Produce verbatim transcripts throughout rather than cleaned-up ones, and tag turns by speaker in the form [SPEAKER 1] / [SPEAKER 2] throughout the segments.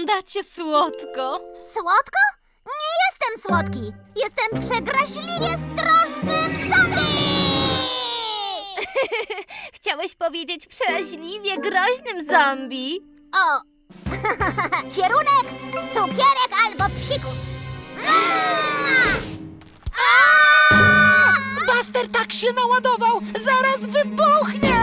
[SPEAKER 1] Wyglądacie słodko.
[SPEAKER 2] Słodko? Nie jestem słodki. Jestem przegraźliwie ostrożnym zombie!
[SPEAKER 3] Chciałeś powiedzieć przeraźliwie groźnym zombie.
[SPEAKER 2] O! Kierunek, cukierek albo psikus.
[SPEAKER 4] Buster tak się naładował, zaraz wybuchnie!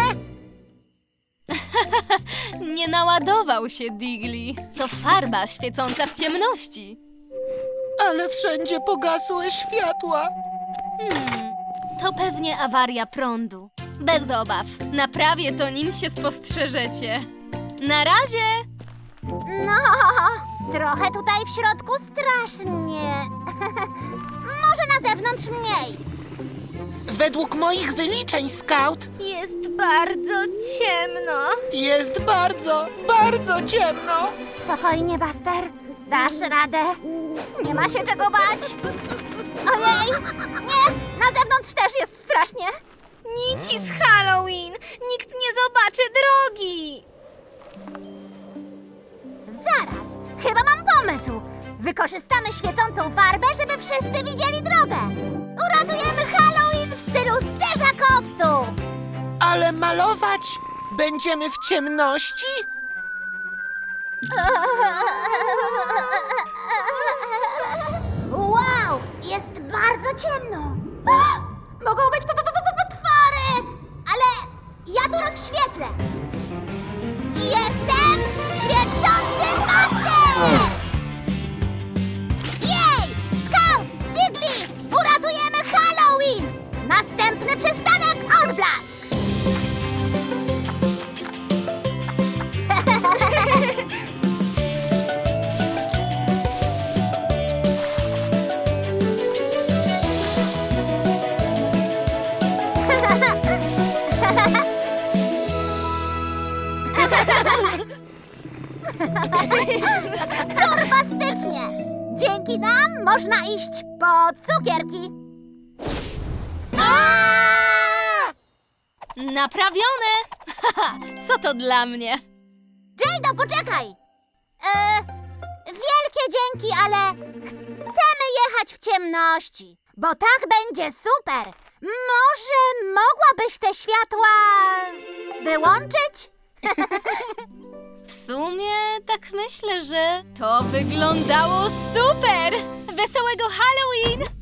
[SPEAKER 1] Nie naładował się, Digli. To farba świecąca w ciemności.
[SPEAKER 4] Ale wszędzie pogasły światła.
[SPEAKER 1] Hmm, to pewnie awaria prądu. Bez obaw, naprawię to, nim się spostrzeżecie. Na razie!
[SPEAKER 2] No, trochę tutaj w środku strasznie. Może na zewnątrz mniej.
[SPEAKER 4] Według moich wyliczeń, Scout,
[SPEAKER 3] Jest bardzo ciemno.
[SPEAKER 4] jest bardzo, bardzo ciemno.
[SPEAKER 2] Spokojnie, Buster. Dasz radę. Nie ma się czego bać. Ojej! Nie! Na zewnątrz też jest strasznie.
[SPEAKER 3] Nici z Halloween. Nikt nie zobaczy drogi.
[SPEAKER 2] Zaraz! Chyba mam pomysł. Wykorzystamy świecącą farbę, żeby wszyscy widzieli drogę. Uratujemy Halloween w stylu zderzakowców.
[SPEAKER 4] Ale malować będziemy w ciemności?
[SPEAKER 2] Wow! Jest bardzo ciemno. O, mogą być po- po- po- po- potwory! Ale ja tu rozświetlę. Jestem świecący master! Jej! Scout! Digli! Uratujemy Halloween! Następny przystanek Odblask! Turbastycznie! Dzięki nam można iść po cukierki.
[SPEAKER 1] Naprawione! Haha, co to dla mnie?
[SPEAKER 2] Jado, poczekaj! E, wielkie dzięki, ale chcemy jechać w ciemności, bo tak będzie super. Może mogłabyś te światła wyłączyć?
[SPEAKER 1] W sumie tak myślę, że to wyglądało super! Wesołego Halloween!